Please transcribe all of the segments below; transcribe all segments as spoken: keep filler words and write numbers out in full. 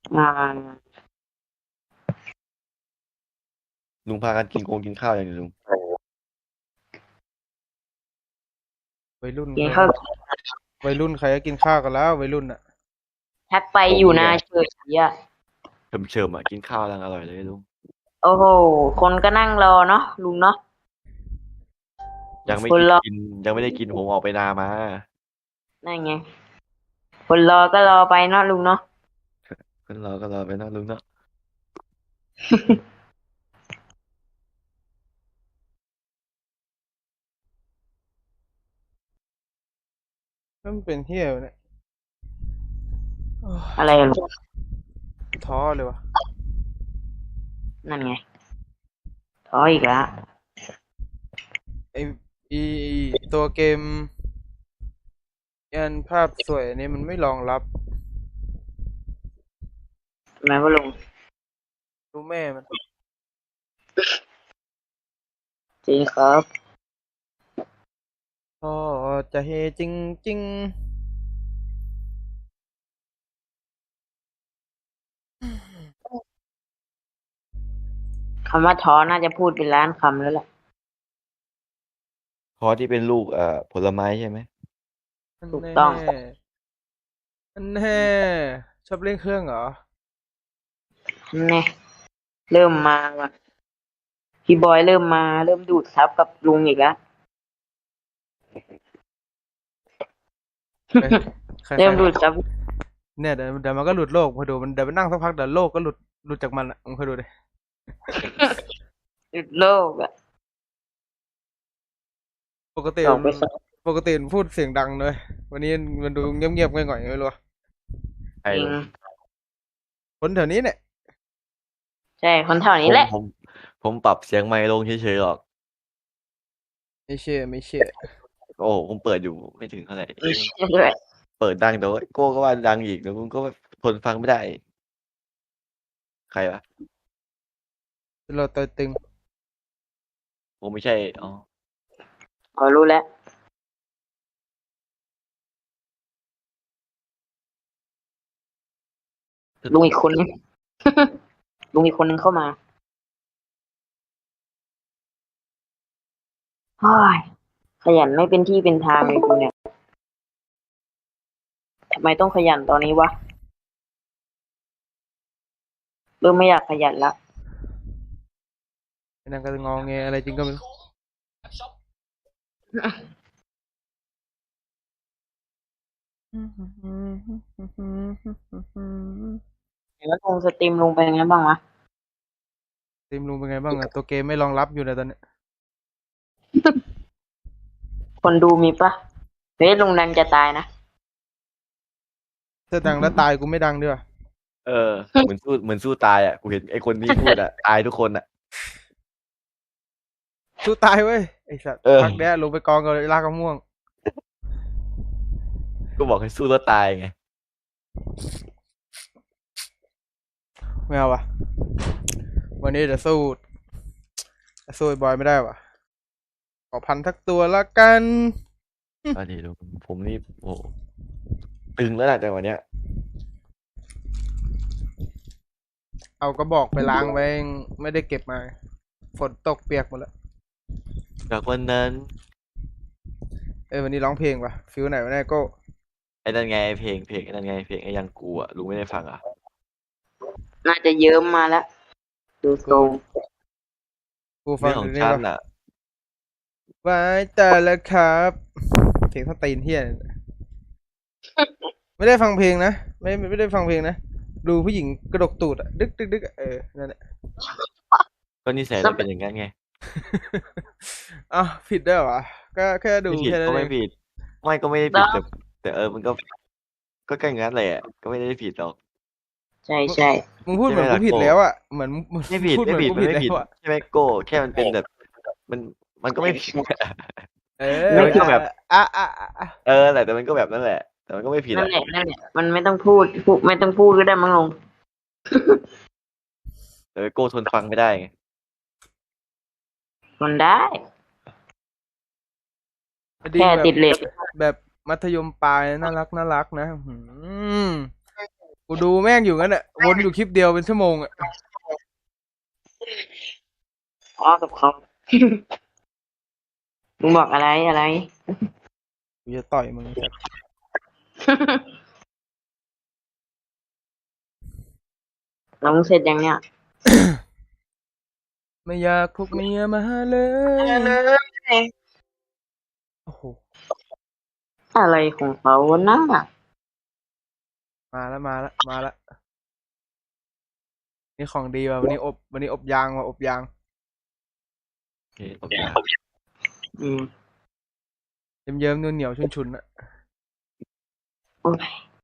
อ่าลุงพากันกินโกงกินข้าวอย่างนี้ลุงวัยรุ่นกินใครข้าววัยรุ่นใครก็กินข้าวกันแล้ววัยรุ่นอ่ะแท็กไปผมอยู่นานี่แหละเฉยอ่ะเฉิมเฉิมอ่ะกินข้าวยังอร่อยเลยลุงโอ้โหคนก็นั่งรอเนาะลุงเนาะยังไม่คนรอกินยังไม่ได้กินผมออกไปนามานั่นไงคนรอก็รอไปเนาะลุงเนาะก็รอก็รอไปเนาะลุงเนาะมันเป็นเที่ยวเนี่ยโอ้ยอะไรอะลุงท้อเลยวะนั่นไงท้ออีกแล้วไออีตัวเกมยันภาพสวยอันนี้มันไม่รองรับทำไมวะลุงรู้แม่มันจริงครับท้อจะเฮจริงจริงคำว่าท้อน่าจะพูดเป็นล้านคำแล้วแหละพอที่เป็นลูกเอ่อผลไม้ใช่ไหมอันถูกแน่ต้องอันแน่ชอบเล่นเครื่องเหรอนี่เริ่มมาว่ะพี่บอยเริ่มมาเริ่มดูดซับกับลุงอีกแล้วเอ้ยใครใคเริ่รมดูดซับเนี่ยเดี๋ยวเดี๋ยวมันก็หลุดโลกพอดูมันเดี๋ยวมันนั่งสักพักเดี๋ยวโลกก็หลุดหลุดจากมันอ่ะมึงคอยดูดิดูดโลกอะปกติส่งมันไปสองปกติมันพูดเสียงดังเลยวันนี้มันดูเงียบๆง่อยๆไม่รู้อะไอ้จริงลุงคนแถวนี้เนี่ยใช่คนแถวผมนี้แหละผมผมปรับเสียงไมค์ลงเฉยๆหรอกไม่เชื่อไม่เชื่อโอ้ผมเปิดอยู่ไม่ถึงเท่าไหร่ไม่เชื่อด้วยเปิดดังแต่ว่าโก้ก็ว่าดังอีกแล้วลุงก็ทนฟังไม่ได้ใครวะเราตัวตึงผมไม่ใช่อ๋อพอรู้แล้วลุงอีกคนนึง ลุงอีกคนนึงเข้ามาเฮ้ยขยันไม่เป็นที่เป็นทางเลยกูเนี่ยทำไมต้องขยันตอนนี้วะเริ่มไม่อยากขยันละไอ้นั่นก็งอแงอะไรจริงก็ไม่รู้แล้วลุงสตรีมลุงเป็นไงบ้างวะทีมลุงเป็นไงบ้างอะตัวเกมไม่รองรับอยู่ในตอนนี้คนดูมีปะเฮ้ยลุงดังจะตายนะถ้าดังแล้วตายกูไม่ดังด้วยเออเหมือนสู้เหมือนสู้ตายอ่ะกูเห็นไอ้คนที่พูดอ่ะตายทุกคนอ่ะสู้ตายเว้ยไอ้สัตว์เออพักเนี้ยลงไปกองกับลากมะม่วงก็บอกให้สู้แล้วตายไงไม่เอาวะวันนี้จะสู้จะสู้ไอ้บอยไม่ได้วะขอพันทักตัวละกันอันนี้ดูผมนี่โอ้ตึงแล้วแหละแต่วันเนี้ยเอากระบอกไปล้างไว้ไม่ได้เก็บมาฝนตกเปียกหมดแล้วจากวันนั้นเอ้ยวันนี้ร้องเพลงวะฟิลไหนวะเนี่ยโก็ไอ้นั่นไงเพลงเพลงไอ้นั่นไงเพลงไอ้ยังกูอ่ะลุงไม่ได้ฟังอ่ะน่าจะเยิ้มมาแล้วดูทรงกูฟัเรื่องของงดูนี่ฉันวะอ่ะไว้แต่ละครับเสียงสตีนเฮียเนี่ยไม่ได้ฟังเพลงนะไม่ไม่ได้ฟังเพลงนะดูผู้หญิงกระดกตูดอะดึกดึกดึกอะเออนั่นแหละก็นิสัยเราเป็นอย่างนั้นไงอ้าวผิดได้วยเหรอก็แค่ดูไม่ผิดแค่นั้นเองก็ไม่ผิดไม่ก็ไม่ได้ผิดแต่แต่เออมันก็ก็ใกล้งั้นเลยอ่ะก็ไม่ได้ผิดหรอกใช่ใช่มึงพูดใช่เหมือนกูผิดไหมล่ะโก้แล้วอะเหมือนมึงไม่ผิดพูดเหไม่ผิดมือนกูผิดมันไม่ผิดแล้วอะใช่ไหมโก้แค่มันเป็นแบบมันมันก็ไม่ผิดเอแต่อมันก็แบบอ่ะอ่ะอ่ะอ่ะเออแหละแต่มันก็แบบนั่นแหละแต่มันก็ไม่ผิดนั่นอ่ะแหละนั่นแหละมันไม่ต้องพูดพูดไม่ต้องพูดก็ได้มั้งลุงแต่โก้ทนฟังไม่ได้ไงมันได้ดีแบบแค่ติดเลทแบบมัธยมปลายน่ารักน่ารักนะหืมกูดูแม่งอยู่งั้นอ่ะวนอยู่คลิปเดียวเป็นชั่วโมงอ่ะอ๋อกับเขา มึงบอกอะไรอะไรกูจะต่อยมึงไอ้สัสแล้วมึงเสร็จยังเนี่ยไม่อยากพกเมียมาเลย โอ้โหอะไรของเขาวะน่ะมาแล้วมาแล้วมาแล้วนี่ของดีว่ะวันนี้อบวันนี้อบยางว่ะอบยางโอเคโอเคอืมเยิ้มๆเหนียวๆชุนๆอ่ะโอ้ย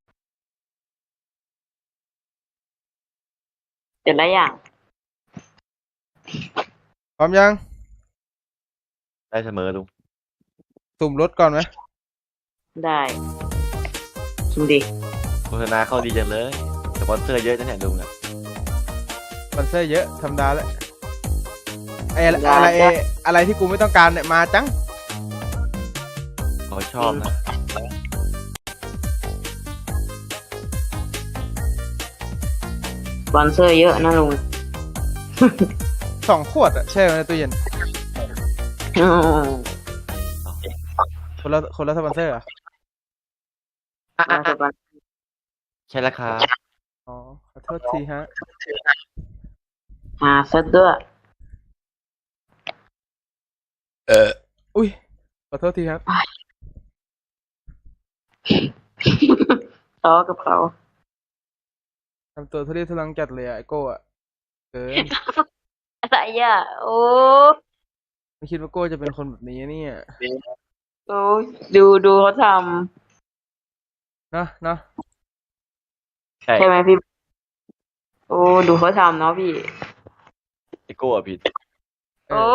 เสร็จแล้วยังพร้อมยังได้เสมอลุงสุ่มรถก่อนไหมได้ชิมดิโฆษณาเข้าดีจังเลยสปอนเซอร์เยอะนะเนี่ยลุงอ่ะสปอนเซอร์เยอะธรรมดาแล้วไอ้อะไรอะไรอะไรที่กูไม่ต้องการเนี่ยมาจังเขาชอบนะสปอนเซอร์เยอะนะลุงสองขวดอะแช่ไว้ในตู้เย็นอืมคนละคนละสปอนเซอร์เหรอะเอาสปอนใช่ราคาอ๋อขอโทษทีฮะหาซะด้วยอุ้ยขอโทษทีครับต่อกับเขาทำตัวทุเรศทุรังจัดเลยอะไอโก้อะเกินอะไรอ่ะ โอ้ไม่คิดว่าโก้จะเป็นคนแบบนี้เนี่ยโอ้ดูดูเขาทเนาะเนาะใช่ำใช่ไหมพี่ โอ้ดูเขาทำเนาะพี่ไอโก้อะผิดเอโอ้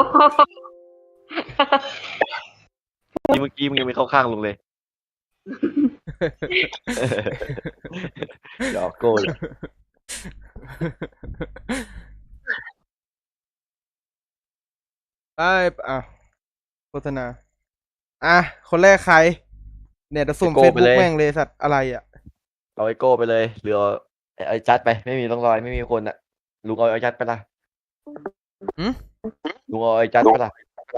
อที่เมื่อกี้มึงยังไม่เข้าข้างลุงเลยหยอกโก้เลยไอ้อ่ะโฆษณาอ่ะคนแรกใคร เนี่ยจะสุ่มเฟซบุ๊กแม่งเลยสัตว์อะไรอ่ะเอาไอโก้ไปเลยหรือเอาไอจัดไปไม่มีร่องรอยไม่มีคนอ่ะลุงเอาไอจัดไปละหืมลุงเอาไอจัดไปละ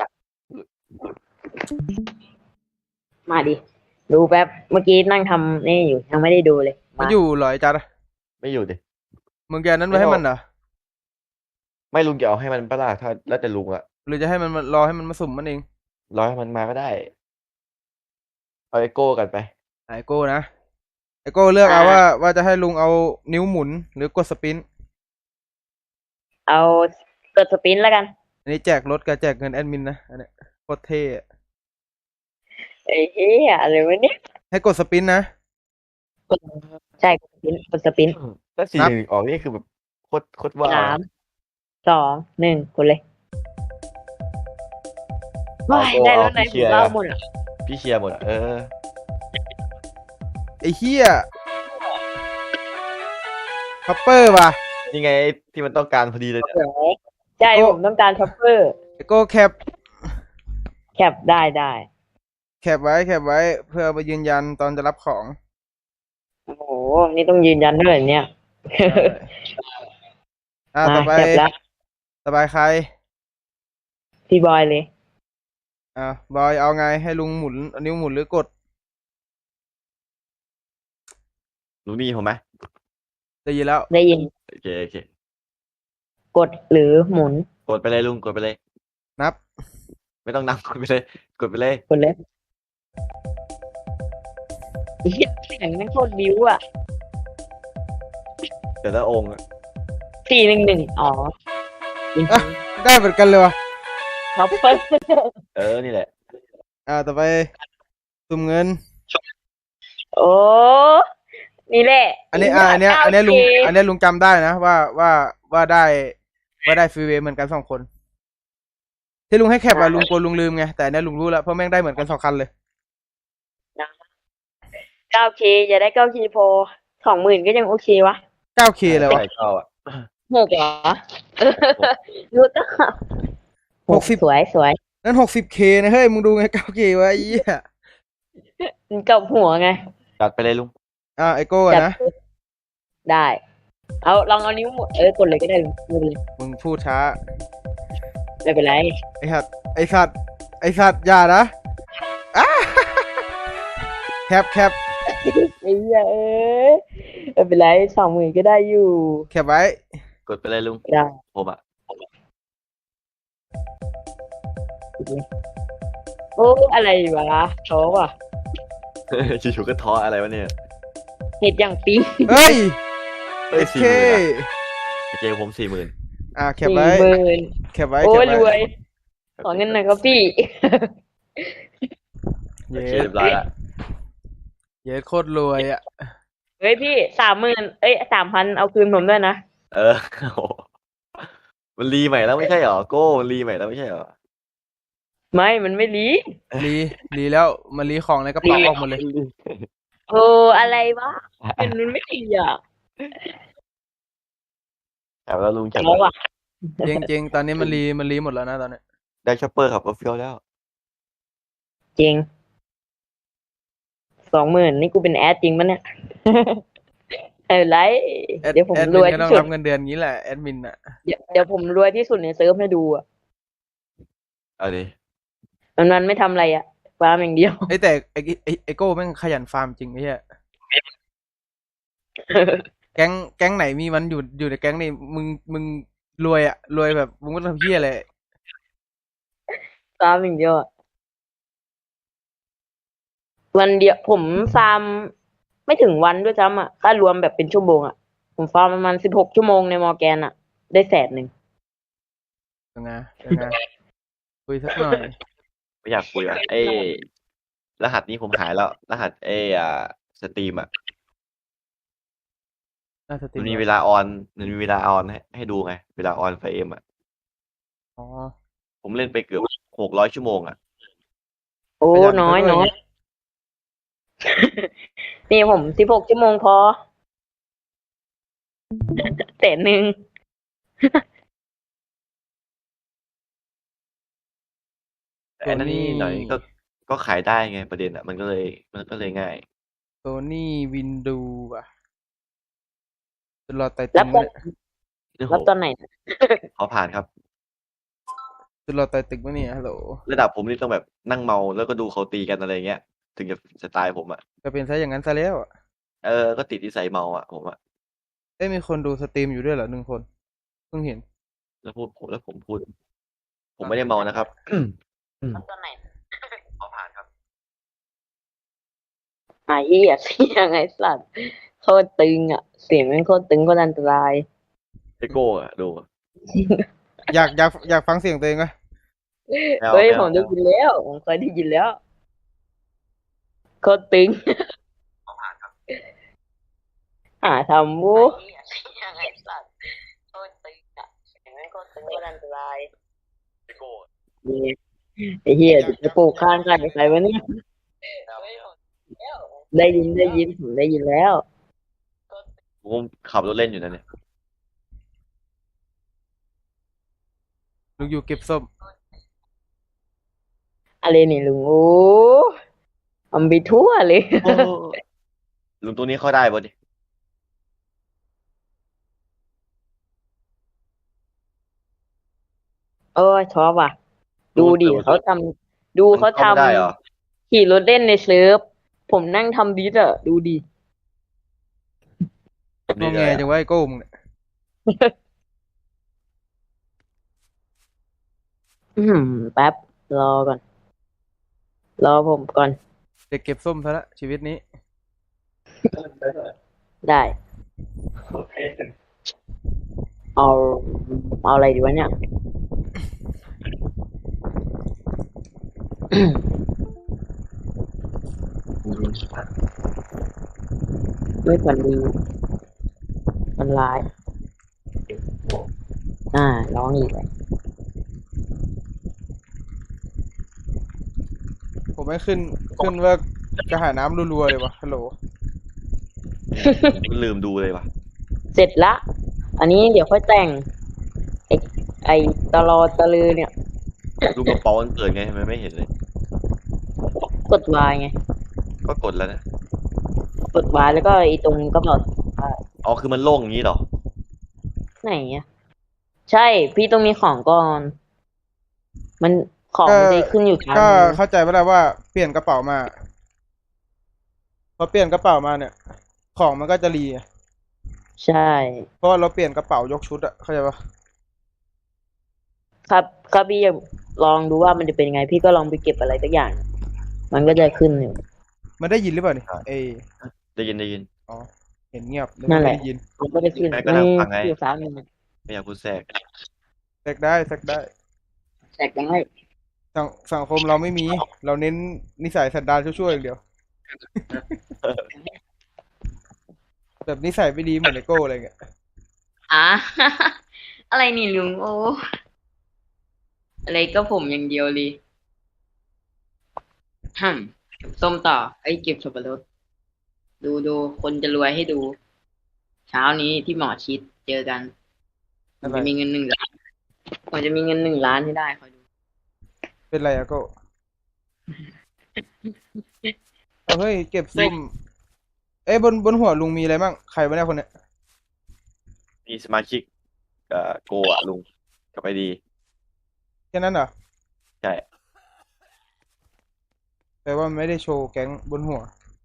มาดิ ดูแป๊บ เมื่อกี้นั่งทำนี่อยู่ ยังไม่ได้ดูเลยมันมาอยู่เหรอไอ้จัดอะไม่อยู่ดิมึงแกนั้นไว้ให้มันเหรอไม่ลุงจะเอาให้มันปะล่ะถ้าแล้วแต่ลุงอ่ะหรือจะให้มันมารอให้มันมาสุ่มมันเองรอให้มันมาก็ได้เอาไอโก้กันไปไอโก้นะไอโก้เลือกเอาว่าว่าจะให้ลุงเอานิ้วหมุนหรือกดสปินเอากดสปินแล้วกันอันนี้แจกรถกับแจกเงินแอดมินนะอันเนี้ยโคตรเท่อะไอ้เหี้ยอะไรวะเนี่ยให้กดสปินนะใช่กดสปินกดสปินถ้าสี่นับหนึ่งออกนี่คือแบบโคตรโคตรว้าวสามสองหนึ่งกดเลยว้ายได้รถไหนผมเล่าหมดอ่ะพี่เชียร์หมดอะเออไอเฮียคัปเปอร์ว่ะนี่ไงที่มันต้องการพอดีเลยเนี่ยใช่ผมต้องการช็อปเปอร์ไอโก้แคปแคปได้ได้แคปไว้แคปไว้เพื่อเอาไปยืนยันตอนจะรับของโอ้โห นี่ต้องยืนยันด้วยเหรอเนี่ยอ่าต่อไปแคปแล้วต่อไปใครพี่บอยเลยอ่าบอยเอาไงให้ลุงหมุนเอานิ้วหมุนหรือกดรู้นี่ผมไหมได้ยินแล้วได้ยินโอเคโอเคกดหรือหมุนกดไปเลยลุงกดไปเลยนับไม่ต้องนับกดไปเลย กดไปเลยกดเลยเหี้ยแข่งนั่งโคตรบิ้วอ่ะแต่ละองค์อะสี่หนึ่งหนึ่งอ๋อจริงอ่ะ ได้เหมือนกันเลยวะๆช็อปเปอร์เออนี่แหละอ่าต่อไปสุ่มเงินโอ้นี่แหละอันนี้อ่าอันเนี้ยอันเนี้ยลุงอันเนี้ยลุงจำได้นะว่าว่าว่าได้ว่าได้ฟรีเวย์เหมือนกันสองคน ที่ลุงให้แคปอะลุงกลัวลุงลืมไงแต่อันเนี้ยลุงรู้แล้วเพราะแม่งได้เหมือนกันสองคันเลยเก้าเคจะได้เก้าคีโพสองหมื่นก็ยังโอเควะเก้าเคเลยวะใช่เข้าอ่ะหกเหรอรู้ตั้งหกสิบสวยสวยนั่นหกสิบเคนะเฮ้ยมึงดูไงเก้าเควะไอ้เหี้ยมันกับหัวไงจัดไปเลยลุงอ่าไอโก้อะจัดนะได้ เอาลองเอานิ้วหมุนเออกดเลยก็ได้ลุงไม่เป็นไรมึงพูดช้าไม่เป็นไรไอสัตว์ไอสัตว์ไอสัตว์อย่านะอ้าแคปแคปไอ้เหี้ยเอ้ยไม่เป็นไรสองหมื่นก็ได้อยู่แคปไว้กดไปเลยลุงได้ผมอ่ะโอ้อะไรวะท้อว่ะอยู่ๆก็ท้ออะไรวะเนี่ยเห็ดอย่างปิ๊งเฮ้ยเฮ้ยโอสี่เคหมื่นอะเจผมสี่หมื่นอ่าแคปสี่ไว้หมื่นแคปไว้โอ้แคยปรวไว้ยขอเงินหน่อยครับพี่โอเย้เคเรียบร้อยละเย้โคตรรวยอ่ะเฮ้ยพี่สามหมื่นเอ้ยสามพันเอาคืนผมด้วยนะเออโอ้โหมันรีใหม่แล้วไม่ใช่เหรอโก้มันรีใหม่แล้วไม่ใช่เหรอไม่มันไม่รีรีรีแล้วมารีของในกระเป๋าออกหมดเลยโอ้อะไรวะเป็นมันไม่ดีอ่ะแถวแล้วลุงแถวท้อว่ะจริงจริงๆตอนนี้มันรีมันรีหมดแล้วนะตอนนี้ได้ช็อปเปอร์ขับรถเฟี้ยวแล้วจริงสองหมื่นนี่กูเป็นแอดจริงปะเนี่ย ไม่เป็นไรแอดเดี๋ยวผมแอดรมิวยนก็ต้อที่งสุดรับเงินเดือนงี้แหละแอดมินอ่ะเดี๋ยวเดี๋ยวผมรวยที่สุดในเซิร์ฟให้ดูอ่ะเอาดิมันมันไม่ทำอะไรอ่ะฟาร์มอย่างเดียวไอยแต่ไอไอไอโก้แม่งขยันฟาร์มจริงไอ้เหี้ยแก๊งแก๊งไหนมีมันอยู่อยู่ในแก๊งนี่มึงมึงรวยอ่ะรวยแบบมึงไม่ต้องทำเหี้ยอะไรฟาร์มอย่างเดียวอะวันเดียวผมฟาร์มไม่ถึงวันด้วยซ้ำอ่ะถ้ารวมแบบเป็นชั่วโมงอ่ะผมฟาร์มประมาณสิบหกชั่วโมงในมอร์แกนอ่ะ ได้แสนหนึ่งยังไงยังไงคุยสักหน่อยไม่อยากคุยอ่ะเอ้ยรหัสนี้ผมหายแล้ว รหัสเอ้ยอ่าสตรีมอ่ะน่าสติมันมีเวลาออนมันมีเวลาออนให้ให้ดูไงเวลาออนไฟเอ็มอ่ะอ๋อผมเล่นไปเกือบหกร้อยชั่วโมงอ่ะโอ้ขยันน้อยซะด้วยน้อย นี่ผมสิบหกชั่วโมงพอ แสนหนึ่งแต่อันนั้นนี่หน่อยก็ก็ขายได้ไงประเด็นอ่ะ มันก็เลยมันก็เลยง่ายโซนี่วินดูอ่ะจะรอไตรัตึบงตอนเนี่ยเรื่องรับของตอนไหนขอผ่านครับจะรอไตตึงวะเนี่ยฮัลโหลระดับผมนี่ต้องแบบนั่งเมาแล้วก็ดูเขาตีกันอะไรเงี้ย ถึงจะสไตล์ผมอ่ะจะเป็นซะอย่างนั้นซะแล้วอะเออ ก็ติดนิสัยเมาอ่ะผมอ่ะเอ้ยมีคนดูสตรีมอยู่ด้วยเหรอหนึ่งคนเพิ่งเห็นแล้วพูดผมแล้วผมพูด ผมไม่ได้เมานะครับรับตอนไหนขอผ่านครับไอ้เหี้ยเสียงไอ้สัตว์โคตรตึงอ่ะ เสียงมันโคตรตึงโคตรอันตรายไอโก้อ่ะดูอยากอยากอยากฟังเสียงตัวเองไหมไม่เอาเฮ้ยไม่ผเอามได้ยินแล้วผมเคยได้ยินแล้วโคตรตึงขอผ่านครับหาทำวูเสียงไอ้สัตว์โคตรตึงอ่ะเสียงมันโคตรตึงโคตรอันตรายไอโก้นี่ไอ้เหี้ยจะปลูกข้างกันใครวะเนี่ย ได้ยินได้ยินผมได้ยินแล้วผมขับรถเล่นอยู่นะเนี่ยลุงอยู่เก็บส้มอะไรนี่ลุงโอ้อำไปทั่วเลยโอ้ลุงตัวนี้เข้าได้ป่ะดิเออชอบว่ะ ดูดิเขาทำดูเขามันเข้าไม่ได้เหรอทำขี่รถเล่นในเซิร์ฟผมนั่งทำดิสอะดูดิงอแงจังว่าไอ้โก้มึงเนี่ยอืมแป๊บ รอก่อน รอผมก่อนเด็กเก็บส้มซะละชีวิตนี้ได้ เอาเอาอะไรดีวะเนี่ย ไม่ควรดีมันลาย อ่าร้องอีกเลยผมไม่ขึ้นขึ้นว่ากระหายน้ำรัวๆเลยวะฮัลโหลมันลืมดูเลยว่ะเสร็จละ อันนี้เดี๋ยวค่อยแต่ง ไอไอตลอตะลือเนี่ยลูกกระเป๋ามันเปิดไงทำไมไม่เห็นเลยกดวายไงก็กดแล้วนะกดวายแล้วก็ไอตรงกระเป๋าอ๋อคือมันโล่งอย่างนี้เหรอไหนอะใช่ พี่ต้องมีของก่อน มันของก็มันจะขึ้นอยู่ทางก็นึงเข้าใจไปแล้วว่าเปลี่ยนกระเป๋ามา พอเปลี่ยนกระเป๋ามาเนี่ย ของมันก็จะรีไงใช่เพราะว่าเราเปลี่ยนกระเป๋ายกชุดอะเข้าใจปะครับครับพี่จะลองดูว่ามันจะเป็นยังไง พี่ก็ลองไปเก็บอะไรสักอย่าง มันก็จะขึ้นอยู่มันได้ยินหรือเปล่านี่อ่าเอยได้ยินได้ยินอ๋อเห็นเงียบเลยนั่นแหไม่ละได้ยินมันก็จะขึ้นแม่ก็นั่งฟังไงอยู่สามหนึ่งไม่อยากพูดแทรกแซกได้แซกได้แจกได้สังสังคมเราไม่มี เราเน้นนิสัยสันดานชั่วๆอย่างเดียว แบบนิสัยไม่ดีเหมือนไอโก้อะไรเงี้ยอ่ะ อะไรนี่ลุงโอ้อะไรก็ผมอย่างเดียวเลยฮึมส้มต่อไอ้ยเก็บสับปะรดดูดูคนจะรวยให้ดู เช้านี้ที่หมอชิดเจอกันผมอะไรจะมีเงินหนึ่งล้านผมจะมีเงินหนึ่งล้านให้ได้คอยดูเป็นไรอะโก้ เอาเฮ้ยเก็บส้ม เอ้ยบนบนหัวลุงมีอะไรบ้างใครวะเนี่ยคนเนี้ยมีสมาชิกเอ่อโกอะลุงกับไอดีแค่นั้นเหรอใช่แปลว่ามันไม่ได้โชว์แก๊งบนหัว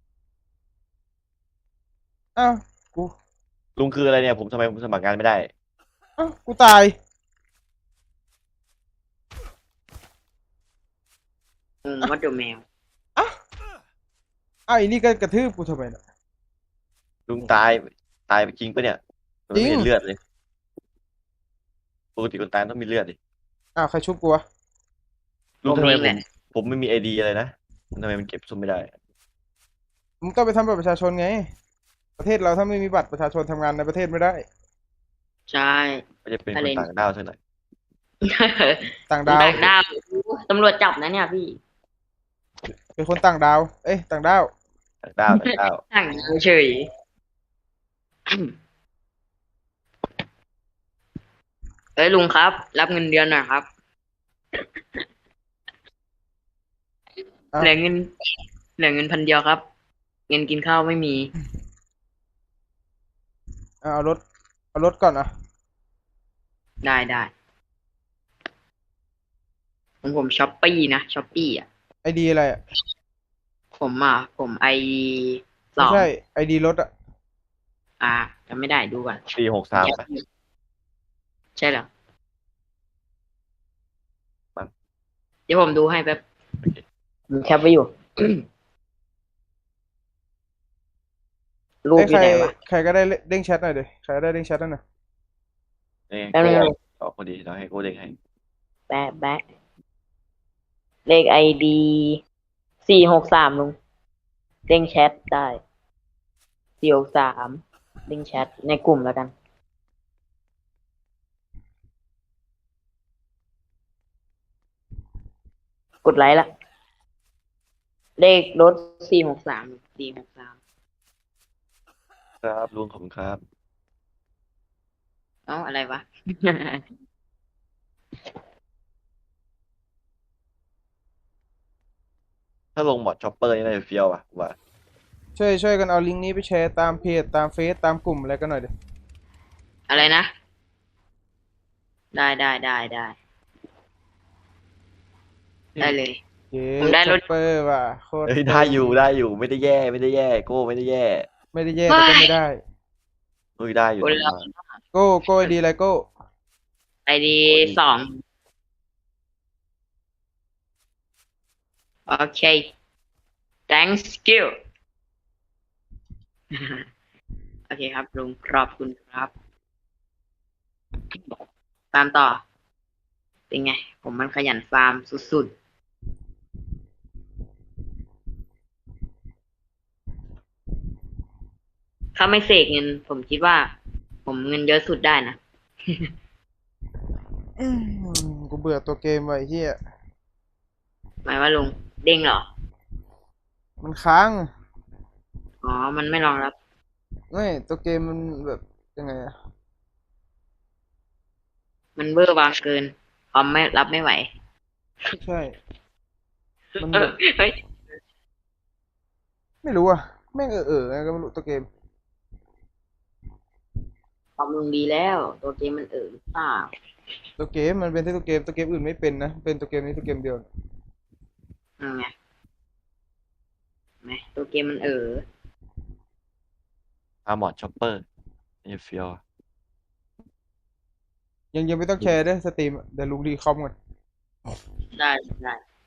อ้าว กูลุงคืออะไรเนี่ยผมทำไมผมสมัครงานไม่ได้อ้าว กูตายอืมวัดเดอแมวอ้าวอ้าวอีนี่ก็กระทืบกูทำไมน่ะลุงตายตายไปจริงปะเนี่ยมันไม่จริเห็งนเลือดเลยปกติคนตายต้องมีเลือดดิอ้าวใครชุบกูวะลุงทำไมผมเองผแหมละผมไม่มีไอดีอะไรนะทำไมมันเก็บส้มไม่ได้มึงก็ไปทำบัตรประชาชนไง ประเทศเราถ้าไม่มีบัตรประชาชนทำงานในประเทศไม่ได้ใช่ก็จะเป็นอะคไรนต่างด้าวซะหน่อยต่างดาวต่างดาวตำรวจจับนะเนี่ยพี่เป็นคนต่างดาว เอ้ยต่างดาวต่างด้าวต่างด้าวต่างดาวเฉยเอ้ยลุงครับ รับเงินเดือนหน่อยครับอ้าวเหลือเงินเหลือเงินพันเดียวครับ เงินกินข้าวไม่มีเอาเอารถ เอารถก่อนอ่ะได้ได้ของผมช้อปปี้นะช้อปปี้อ่ะไอดีอะไรอ่ะผมอ่ะ ผมไอสไม่องใช่ ไอดีรถอ่ะอ่าจำไม่ได้ดูก่อนปีหกสามปะใช่เหรอมั้งเดี๋ยวผมดูให้แป๊บดูแคปไว้อยู่ รูปเอ้ยอใครยู่ไหนวะใครก็ได้เด้งแชทหน่อยดิใครก็ได้เด้งแชทหน่อยนี่แป๊บนึงโก้ออกพอดีเราให้โก้เด้งให้แป๊บแป๊บเลขไอดีสี่หกสามลุงเด้งแชทได้สี่หกสามเด้งแชทในกลุ่มแล้วกัน กดไลค์ละ เลขรถสี่หกสามสี่หกสามครับลุงขอบคุณครับเอ้าอะไรวะถ้าลงหมอดช็อปเปอร์นี่น่าจะเฟี้ยวอ่ะว่าช่วยช่วยกันเอาลิงก์นี้ไปแชร์ตามเพจตามเฟซตามกลุ่มอะไรกันหน่อยดิอะไรนะ ได้ได้ได้ได้ได้เลยเย้ผมได้รถช็อปเปอร์ว่ะโคตรเฮ้ยได้อยู่ได้อยู่ไม่ได้แย่ไม่ได้แย่โก้ไม่ได้แย่ไม่ได้แย่แต่ก็ไม่ได้เฮ้ยได้อยู่คนทำละมาโก้โก้ไอดีอะไรโก้ไอดีสองโอเค thanks you โอเคครับลุงขอบคุณครับ ตามต่อ เป็นไง ผมมันขยันฟาร์มสุดๆ ถ้าไม่เสกเงิน ผมคิดว่า ผมเงินเยอะสุดได้นะอืมกูเบื่อตัวเกมไว้เฮียหมายว่าลุงเด้งเหรอมันค้างอ๋อ มันไม่รองรับไม่ตัวเกมมันแบบยังไงอะมันเบอร์บางเกินคอมไม่รับไม่ไหวใช่ มันเอแบอบ เฮ้ยไม่รู้อะแม่งเออเออไงก็ไม่รู้ตัวเกมบำรุงดีแล้ว ตัวเกมมันเออหรือเปล่าตัวเกมมันเป็นที่ตัวเกมตัวเกมอื่นไม่เป็นนะเป็นตัวเกมนี้ตัวเกมเดียวอืมไงไหมตัวเกมมันเอออาร์มอร์ชอปเปอร์นี่เฟียวยังยังไม่ต้องแชร์ด้วยสตรีมเดี๋ยวลุงรีคอมก่อนได้ได้